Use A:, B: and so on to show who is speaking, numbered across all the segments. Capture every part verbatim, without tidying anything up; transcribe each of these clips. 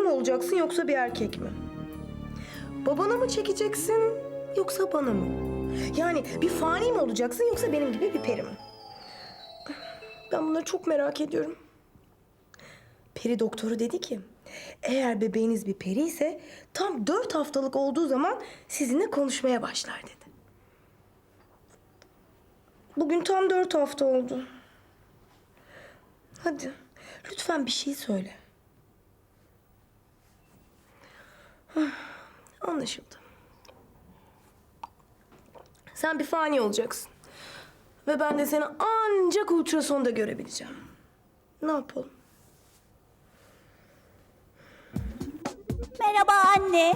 A: mı olacaksın yoksa bir erkek mi? Babana mı çekeceksin yoksa bana mı? Yani bir fani mi olacaksın yoksa benim gibi bir peri mi? Ben bunları çok merak ediyorum. Peri doktoru dedi ki, eğer bebeğiniz bir peri ise tam dört haftalık olduğu zaman sizinle konuşmaya başlar dedi. Bugün tam dört hafta oldu. Hadi lütfen bir şey söyle. Hah, anlaşıldı. Sen bir fani olacaksın. Ve ben de seni ancak ultrasonda görebileceğim. Ne yapalım?
B: Merhaba anne.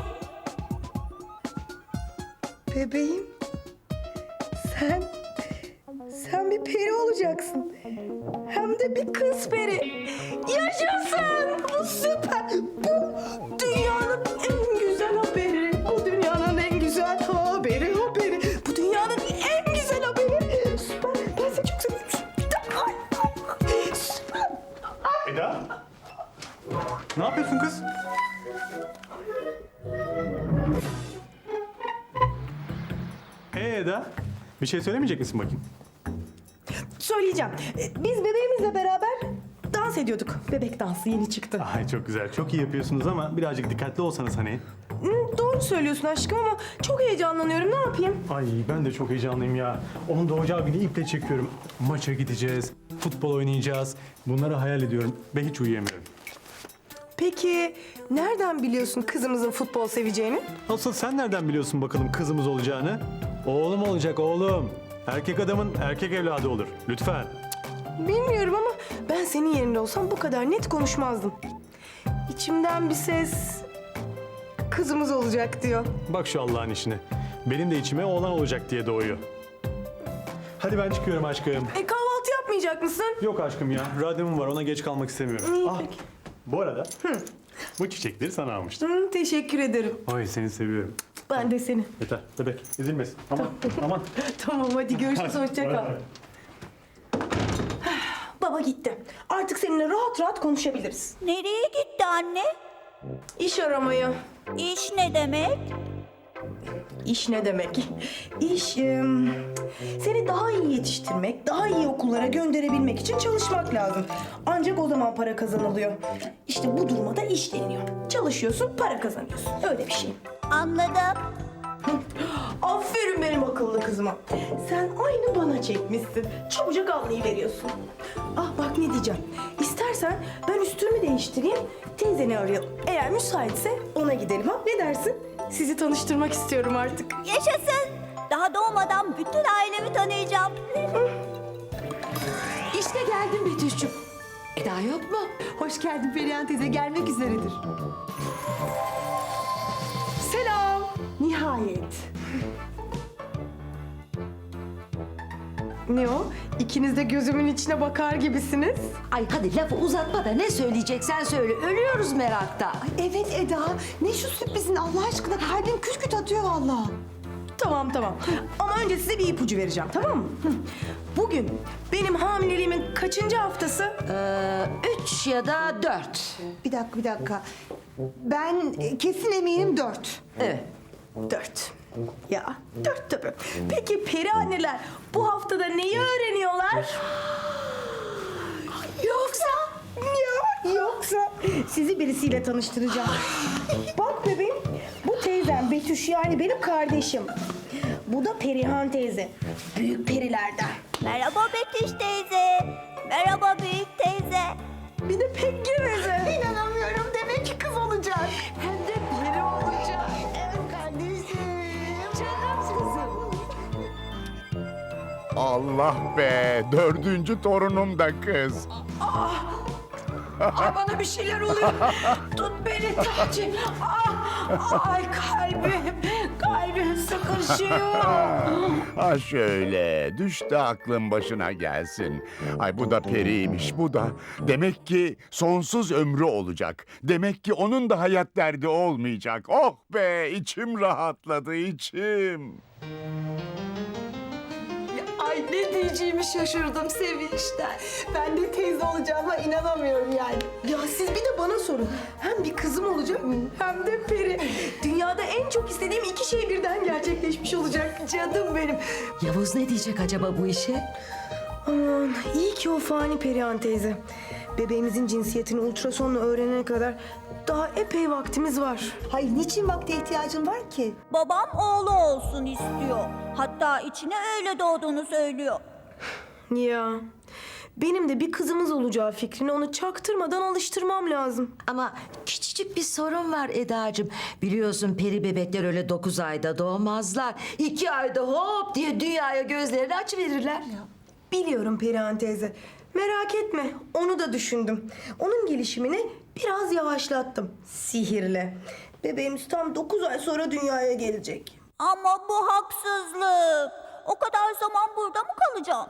A: Bebeğim. Sen... Sen bir peri olacaksın. Hem de bir kız peri. Yaşasın! Bu süper! Bu dünyanın en güzel haberi. Bu dünyanın en güzel haberi, haberi. Bu dünyanın en güzel haberi. Süper! Ben seni çok seviyorum. Ay, ay, süper!
C: Eda? Ne yapıyorsun kız? Ee Eda, bir şey söylemeyecek misin bakayım?
A: Söyleyeceğim. Ee, Biz bebeğimizle beraber dans ediyorduk. Bebek dansı yeni çıktı.
C: Ay çok güzel, çok iyi yapıyorsunuz ama birazcık dikkatli olsanız hani.
A: Hı, doğru söylüyorsun aşkım ama çok heyecanlanıyorum. Ne yapayım?
C: Ay ben de çok heyecanlıyım ya. Onun doğacağı günü iple çekiyorum. Maça gideceğiz, futbol oynayacağız. Bunları hayal ediyorum ve hiç uyuyamıyorum.
A: Peki nereden biliyorsun kızımızın futbol seveceğini?
C: Asıl sen nereden biliyorsun bakalım kızımız olacağını? Oğlum olacak oğlum. Erkek adamın erkek evladı olur. Lütfen.
A: Bilmiyorum ama ben senin yerinde olsam bu kadar net konuşmazdım. İçimden bir ses kızımız olacak diyor.
C: Bak şu Allah'ın işine. Benim de içime oğlan olacak diye doğuyor. Hadi ben çıkıyorum aşkım.
A: E kahvaltı yapmayacak mısın?
C: Yok aşkım ya. Radyom var. Ona geç kalmak istemiyorum.
A: İyi,
C: Ah,
A: peki.
C: bu arada bu çiçekleri sana almıştım.
A: Hı, teşekkür ederim.
C: Ay seni seviyorum.
A: Ben de seni.
C: Yeter bebek. Üzülmesin. Aman aman.
A: Tamam hadi görüşürüz. Hoşça
C: Bay
A: kal.
C: bay.
A: Baba gitti. Artık seninle rahat rahat konuşabiliriz.
B: Nereye gitti anne?
A: İş aramaya.
B: İş ne demek?
A: İş ne demek? İş em, seni daha iyi yetiştirmek, daha iyi okullara gönderebilmek için çalışmak lazım. Ancak o zaman para kazanılıyor. İşte bu duruma da iş deniyor. Çalışıyorsun, para kazanıyorsun. Öyle bir şey.
B: Anladım.
A: Aferin benim akıllı kızıma. Sen aynı bana çekmişsin. Çabucak anlayıveriyorsun. Ah bak ne diyeceğim. İstersen ben üstümü değiştireyim, teyzeni arayalım. Eğer müsaitse ona gidelim ha. Ne dersin? Sizi tanıştırmak istiyorum artık.
B: Yaşasın. Daha doğmadan bütün ailemi tanıyacağım.
D: İşte geldim Betüş'cüm. Eda yok mu? Hoş geldin Perihan teyze, gelmek üzeredir. Selam. Nihayet.
A: Ne o? İkiniz de gözümün içine bakar gibisiniz.
E: Ay hadi lafı uzatma da ne söyleyeceksen söyle. Ölüyoruz merakta.
D: Evet Eda, ne şu sürprizin Allah aşkına, kalbim küt küt atıyor vallahi.
A: Tamam tamam. Ama önce size bir ipucu vereceğim, tamam mı? Hı. Bugün benim hamileliğimin kaçıncı haftası?
E: Ee, üç ya da dört.
D: Bir dakika, bir dakika. Ben e, kesin eminim dört.
E: Evet.
A: Dört. Ya dört tabii. Peki peri anneler bu haftada neyi öğreniyorlar? Yoksa? Ya yoksa sizi birisiyle tanıştıracağım. Bak bebeğim, bu teyzem Betüş, yani benim kardeşim. Bu da Perihan teyze, büyük perilerden.
B: Merhaba Betüş teyze. Merhaba büyük teyze.
A: Bir de pek geveze.
D: İnanamıyorum, demek ki kız olacak. Hem de peri olacak. Evet kardeşim. Canım kızım.
F: Allah be, dördüncü torunum da kız.
E: Ay bana bir şeyler oluyor. Tut beni Taci. Ah, ay kalbim. Kalbim sıkışıyor.
F: Ha şöyle, düş de aklın başına gelsin. Ay bu da periymiş, bu da. Demek ki sonsuz ömrü olacak. Demek ki onun da hayat derdi olmayacak. Oh be, içim rahatladı, içim.
D: Ay ne diyeceğimi şaşırdım sevinçten. Ben de teyze olacağıma inanamıyorum yani.
A: Ya siz bir de bana sorun. Hem bir kızım olacak hem de peri. Dünyada en çok istediğim iki şey birden gerçekleşmiş olacak. Canım benim.
D: Yavuz ne diyecek acaba bu işe?
A: Aman iyi ki o fani Perihan teyze. Bebeğimizin cinsiyetini ultrasonla öğrenene kadar daha epey vaktimiz var.
G: Hayır, niçin vakte ihtiyacın var ki?
B: Babam oğlu olsun istiyor. Hatta içine öyle doğduğunu söylüyor.
A: Ya benim de bir kızımız olacağı fikrine onu çaktırmadan alıştırmam lazım.
D: Ama küçücük bir sorun var Edacığım. Biliyorsun peri bebekler öyle dokuz ayda doğmazlar. İki ayda hop diye dünyaya gözlerini açıverirler.
A: Biliyorum Perihan teyze. Merak etme, onu da düşündüm. Onun gelişimini biraz yavaşlattım sihirle. Bebeğimiz tam dokuz ay sonra dünyaya gelecek.
B: Ama bu haksızlık. O kadar zaman burada mı kalacağım?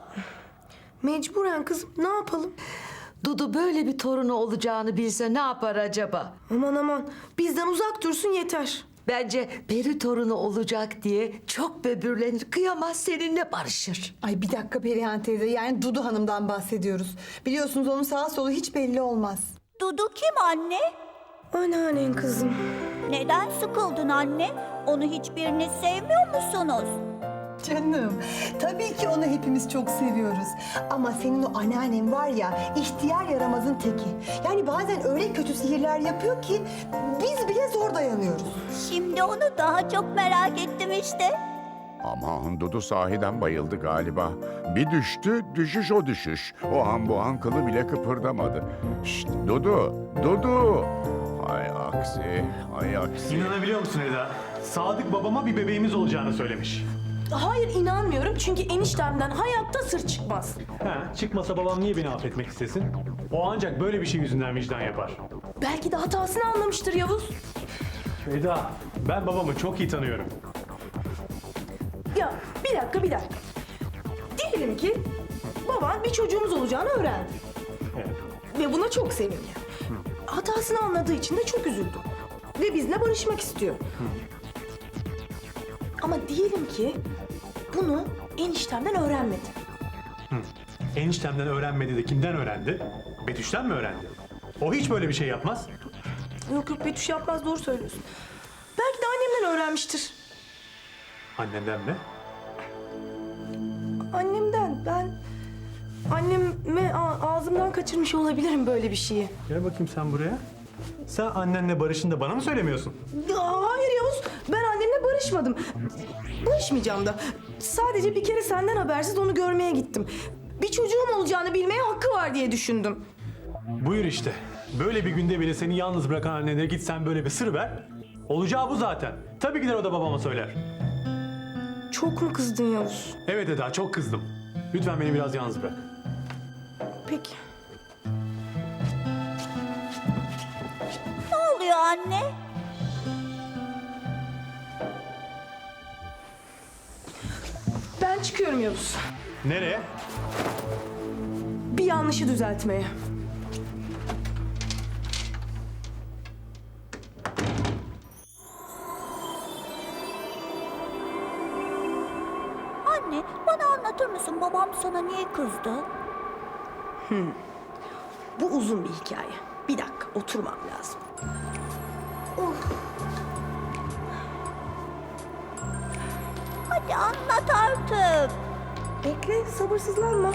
A: Mecburen kızım, ne yapalım?
D: Dudu böyle bir torunu olacağını bilse ne yapar acaba?
A: Aman aman, bizden uzak dursun yeter.
D: Bence peri torunu olacak diye çok böbürlenir, kıyamaz, seninle barışır.
G: Ay bir dakika Perihan teyze, yani Dudu Hanım'dan bahsediyoruz. Biliyorsunuz onun sağ solu hiç belli olmaz.
B: Dudu kim anne?
A: Anneannen kızım.
B: Neden sıkıldın anne? Onu hiçbiriniz sevmiyor musunuz?
G: Canım, tabii ki onu hepimiz çok seviyoruz. Ama senin o anneannen var ya, ihtiyar yaramazın teki. Yani bazen öyle kötü sihirler yapıyor ki biz bile zor dayanıyoruz.
B: Şimdi onu daha çok merak ettim işte.
F: Aman Dudu sahiden bayıldı galiba. Bir düştü, düşüş o düşüş. O an bu an kılı bile kıpırdamadı. Şşt Dudu, Dudu. Hay aksi, hay aksi.
C: İnanabiliyor musun Eda? Sadık babama bir bebeğimiz olacağını söylemiş.
A: Hayır inanmıyorum çünkü eniştemden hayatta sır çıkmaz.
C: He, çıkmasa babam niye beni affetmek istesin? O ancak böyle bir şey yüzünden vicdan yapar.
A: Belki de hatasını anlamıştır Yavuz.
C: Eda, ben babamı çok iyi tanıyorum.
A: Ya bir dakika bir dakika. Diyelim ki baban bir çocuğumuz olacağını öğrendi.
C: Evet.
A: Ve buna çok sevindi. Hatasını anladığı için de çok üzüldü. Ve bizle barışmak istiyor. Ama diyelim ki bunu eniştemden öğrenmedi.
C: Eniştemden öğrenmedi de kimden öğrendi? Betüş'ten mi öğrendi? O hiç böyle bir şey yapmaz.
A: Yok yok Betüş yapmaz, doğru söylüyorsun. Belki de annemden öğrenmiştir.
C: Annenden mi?
A: Annemden ben... Anneme a- ağzımdan kaçırmış olabilirim böyle bir şeyi.
C: Gel bakayım sen buraya. Sen annenle barışında bana mı söylemiyorsun?
A: Ya, hayır Yavuz, ben annemle barışmadım. Barışmayacağım da. Sadece bir kere senden habersiz onu görmeye gittim. Bir çocuğum olacağını bilmeye hakkı var diye düşündüm.
C: Buyur işte. Böyle bir günde bile seni yalnız bırakan annene git sen böyle bir sır ver. Olacağı bu zaten. Tabii gider o da babama söyler.
A: Çok mu kızdın Yavuz?
C: Evet Eda, çok kızdım. Lütfen beni biraz yalnız bırak.
A: Peki.
B: Ne oluyor anne?
A: Ben çıkıyorum Yavuz.
C: Nereye?
A: Bir yanlışı düzeltmeye.
B: Anne, bana anlatır mısın babam sana niye kızdı?
A: Bu uzun bir hikaye. Bir dakika, oturmam lazım.
B: Hadi anlat artık.
A: Bekle, sabırsızlanma.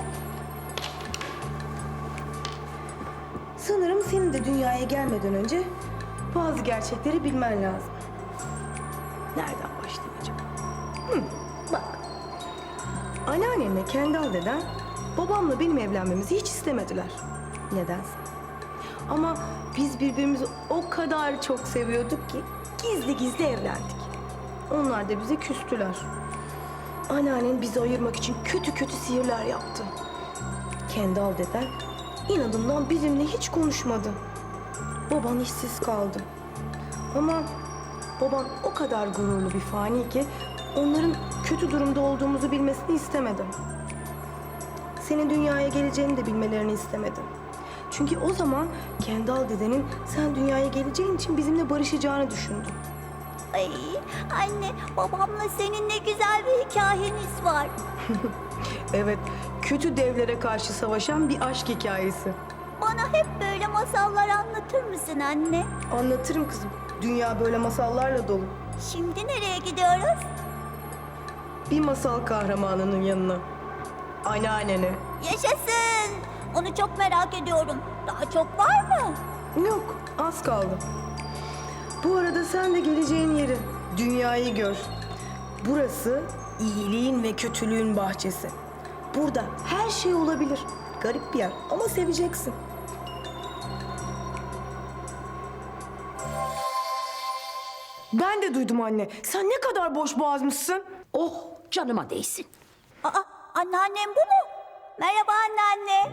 A: Sanırım senin de dünyaya gelmeden önce bazı gerçekleri bilmen lazım. Nereden başlayayım acaba? Hı, bak. Anneannemle Kendal deden babamla benim evlenmemizi hiç istemediler. Nedense. Ama biz birbirimizi o kadar çok seviyorduk ki gizli gizli evlendik. Onlar da bize küstüler. Anneannen bizi ayırmak için kötü kötü sihirler yaptı. Kendal deden inadından bizimle hiç konuşmadı. Baban işsiz kaldı. Ama baban o kadar gururlu bir fani ki onların kötü durumda olduğumuzu bilmesini istemedim. Senin dünyaya geleceğini de bilmelerini istemedim. Çünkü o zaman Kendal dedenin sen dünyaya geleceğin için bizimle barışacağını düşündüm.
B: Ay anne, babamla senin ne güzel bir hikayeniz var.
A: Evet, kötü devlere karşı savaşan bir aşk hikayesi.
B: bana hep böyle masallar anlatır mısın anne?
A: Anlatırım kızım. Dünya böyle masallarla dolu.
B: Şimdi nereye gidiyoruz?
A: Bir masal kahramanının yanına. Anneannene.
B: Yaşasın! Onu çok merak ediyorum. Daha çok var mı?
A: Yok, az kaldı. Bu arada sen de geleceğin yeri, dünyayı gör. Burası iyiliğin ve kötülüğün bahçesi. Burada her şey olabilir. Garip bir yer ama seveceksin. Ben de duydum anne. Sen ne kadar boş boğazmışsın.
E: Oh canıma değsin.
B: Aa, anneannem bu mu? Merhaba anneanne.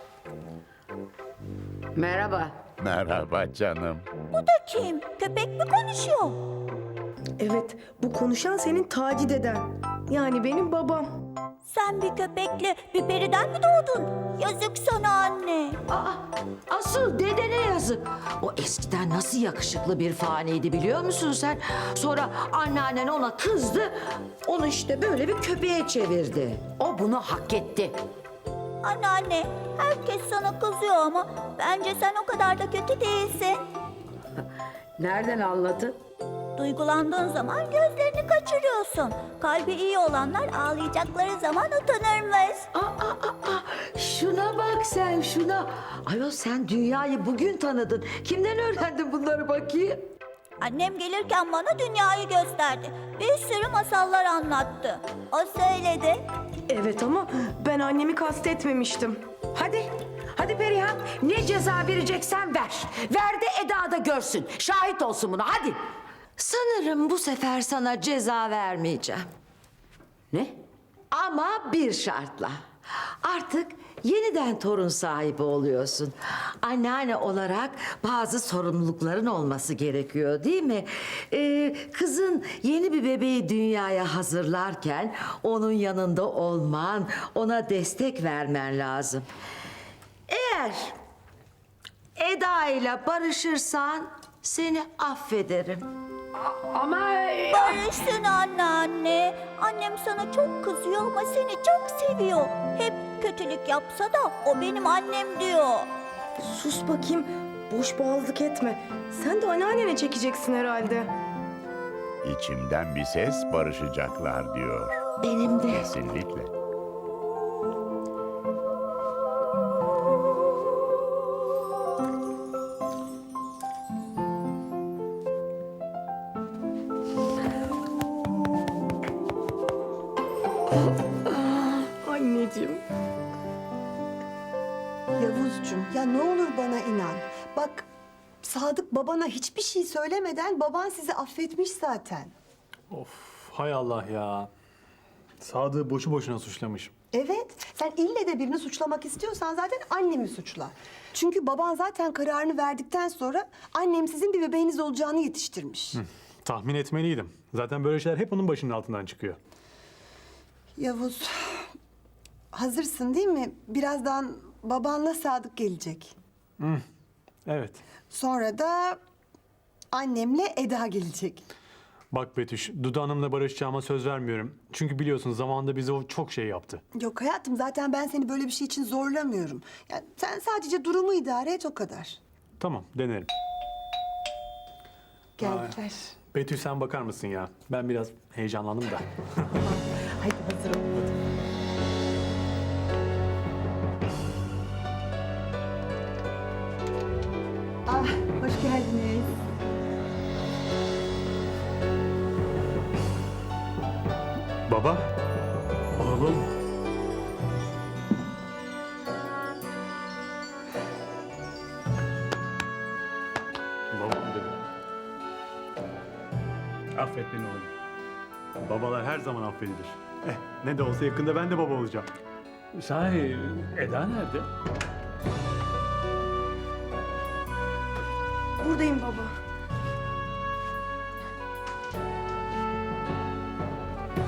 E: Merhaba.
F: Merhaba canım.
B: Bu da kim? Köpek mi konuşuyor?
A: Evet, bu konuşan senin Taci deden. Yani benim babam.
B: Sen bir köpekle bir periden mi doğdun? Yazık sana anne.
D: Aa, asıl dedene yazık. O eskiden nasıl yakışıklı bir faniydi biliyor musun sen? Sonra anneannen ona kızdı. Onu işte böyle bir köpeğe çevirdi.
E: O bunu hak etti.
B: Anneanne, herkes sana kızıyor ama bence sen o kadar da kötü değilsin.
E: Nereden anladın?
B: Duygulandığın zaman gözlerini kaçırıyorsun. Kalbi iyi olanlar ağlayacakları zaman utanırmış.
D: Aa, aa, aa, şuna bak sen şuna. Ayol sen dünyayı bugün tanıdın. Kimden öğrendin bunları bakayım?
B: Annem gelirken bana dünyayı gösterdi. Bir sürü masallar anlattı. O söyledi.
A: Evet ama ben annemi kastetmemiştim.
E: Hadi. Hadi Perihan. Ne ceza vereceksen ver. Ver de Eda da görsün. Şahit olsun buna hadi.
D: Sanırım bu sefer sana ceza vermeyeceğim.
E: Ne?
D: Ama bir şartla. Artık yeniden torun sahibi oluyorsun. Anneanne olarak bazı sorumlulukların olması gerekiyor değil mi? Ee, kızın yeni bir bebeği dünyaya hazırlarken onun yanında olman, ona destek vermen lazım. Eğer Eda ile barışırsan seni affederim.
E: Ama
B: Barışsın anneanne. Annem sana çok kızıyor ama seni çok seviyor. Hep kötülük yapsa da o benim annem diyor.
A: Sus bakayım, boş boğazlık etme. Sen de anneannene çekeceksin herhalde.
F: İçimden bir ses barışacaklar diyor.
D: Benim de.
F: Kesinlikle.
A: Anneciğim.
G: Yavuzcuğum ya ne olur bana inan. Bak Sadık babana hiçbir şey söylemeden baban sizi affetmiş zaten.
C: Of, hay Allah ya. Sadık'ı boşu boşuna suçlamış.
G: Evet, sen ille de birini suçlamak istiyorsan zaten annemi suçla. Çünkü baban zaten kararını verdikten sonra annem sizin bir bebeğiniz olacağını yetiştirmiş.
C: Tahmin etmeliydim. Zaten böyle şeyler hep onun başının altından çıkıyor.
G: Yavuz, hazırsın değil mi? Birazdan babanla Sadık gelecek.
C: Evet.
G: Sonra da annemle Eda gelecek.
C: Bak Betüş, Dudu Hanım'la barışacağıma söz vermiyorum. Çünkü biliyorsun zamanında bize o çok şey yaptı.
G: Yok hayatım zaten ben seni böyle bir şey için zorlamıyorum. Yani sen sadece durumu idare et o kadar.
C: Tamam, denerim.
G: Geldiler.
C: Betüş sen bakar mısın ya? Ben biraz heyecanlandım da.
G: Hadi hazır ol. Ah, hoş geldiniz.
C: Baba, oğlum. Babam dedi. Affet beni oğlum. Babalar her zaman affedilir. Eh, ne de olsa yakında ben de baba olacağım. Sahi Eda nerede?
A: Buradayım baba.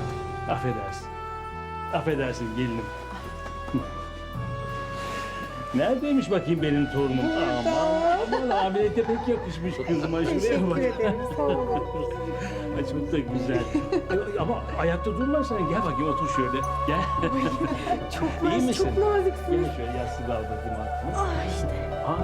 C: Affedersin. Affedersin gelinim.
H: Neredeymiş bakayım benim torunum? Aman aman ameliyete pek yakışmış kızıma. Şuraya bak.
G: Teşekkür ederim. Sağ olun.
H: Ay, çok da güzel. Ama ayakta durma sen. Gel bakayım otur şöyle. Gel.
G: Çok
H: İyi
G: nazik,
H: misin?
G: çok naziksin.
H: Gel şöyle yastığı da al bakayım altına.
G: Ah işte.
H: Ha.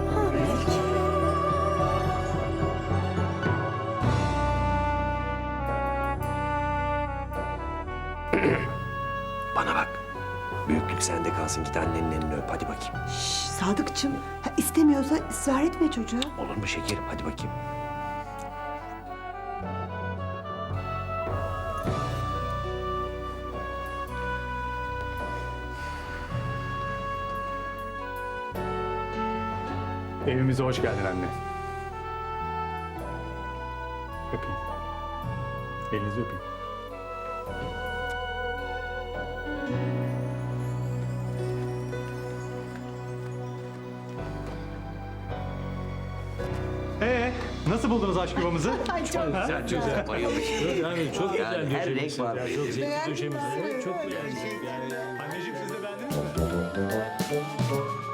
I: Bana bak. Büyüklük sende kalsın. Git annenin elini öp. Hadi bakayım.
G: Şş, Sadıkçım, ha, istemiyorsa ısrar etme çocuğa.
I: Olur mu şekerim? Hadi bakayım.
C: Evimize hoş geldin anne. Öpeyim. Elinizi öpeyim. Ee, nasıl buldunuz aşk yuvamızı?
G: Ay çok
I: Güzel güzel. Bayılmış.
H: Yani çok güzel
I: Yani her renk
H: döşemişsin.
I: var.
H: Ya, çok zevkli
G: Beğendiniz
H: döşemişsin.
G: mi?
H: Çok beğendim. Yani
C: Anneciğim siz de beğendiniz mi?